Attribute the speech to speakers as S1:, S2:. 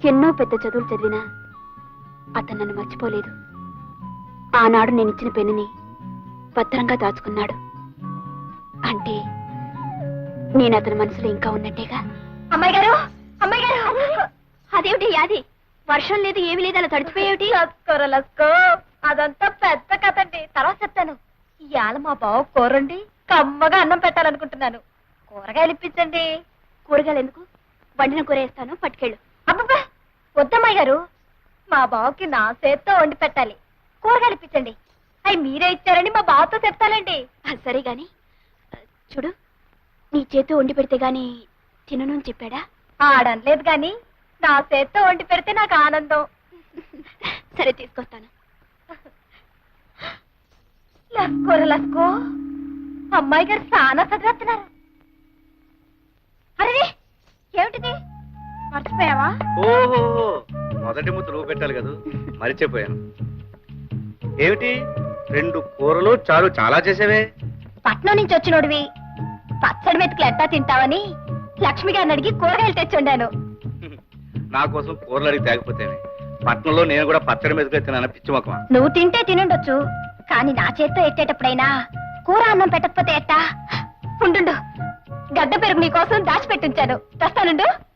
S1: ఎన్నో పెద్ద చదువులు చదివినా అతను నన్ను మర్చిపోలేదు. ఆనాడు నేను ఇచ్చిన పెన్నుని భద్రంగా దాచుకున్నాడు. అంటే నేను అతని మనసులో ఇంకా ఉన్నట్టేగా.
S2: అమ్మాయి గారు, అమ్మాయి గారు, అదేమిటి అది? వర్షం లేదు, ఏమీ లేదు, అలా తడిచిపోయేమిటి? లస్కో, అదంతా పెద్ద కథండి, తర్వాత చెప్తాను. ఇవాళ మా బావ కూరండి కమ్మగా అన్నం పెట్టాలనుకుంటున్నాను. కూరగాయలు ఇప్పించండి.
S1: కూరగాయలు ఎందుకు? వండిన కూర వేస్తాను, పట్టుకెళ్ళు.
S2: అబ్బబ్బా, వద్దమ్మాయి గారు, మా బావకి నా చేత్తో వండి పెట్టాలి. కూరగాయలు ఇప్పించండి. అవి మీరే ఇచ్చారని మా బావతో చెప్తానండి.
S1: సరే గాని చూడు, నీ చేతితో వండి పెడితే గాని తినను అని చెప్పాడా?
S2: ఆడనలేదు గాని నా చేత్తో వండి పెడితే నాకు ఆనందం.
S1: సరే, తీసుకొస్తాను.
S2: లస్కోర లస్కో, అమ్మాయి గారు చాలా చదివేస్తున్నారు. అరే, ఏమిటిది? మర్చిపోయావా?
S3: ఓహో, మొదటి ముద్ద నువ్వు పెట్టాలి కదా, మరిచిపోయాను. ఏమిటి 2 కూరలు చారు చాలా చేసేవే?
S2: పట్నం నుంచి వచ్చినోడివి పచ్చడి మెతుకులు ఎట్టా తింటావని లక్ష్మి గారిని అడిగి కూరగాయలు తెచ్చుండాను.
S3: నా కోసం కూరలు అడిగి తేకపోతేనే. పట్నంలో నేను కూడా పచ్చడి మీదకి తిన్నాను, పిచ్చి మొక్కమా.
S2: నువ్వు తింటే తినుండొచ్చు, కానీ నా చేత్తో ఎట్టేటప్పుడైనా కూర అన్నం పెట్టకపోతే ఎట్టా? ఉండు, గడ్డ పెరుగు నీకోసం దాచిపెట్టించాను, తెస్తానుండు.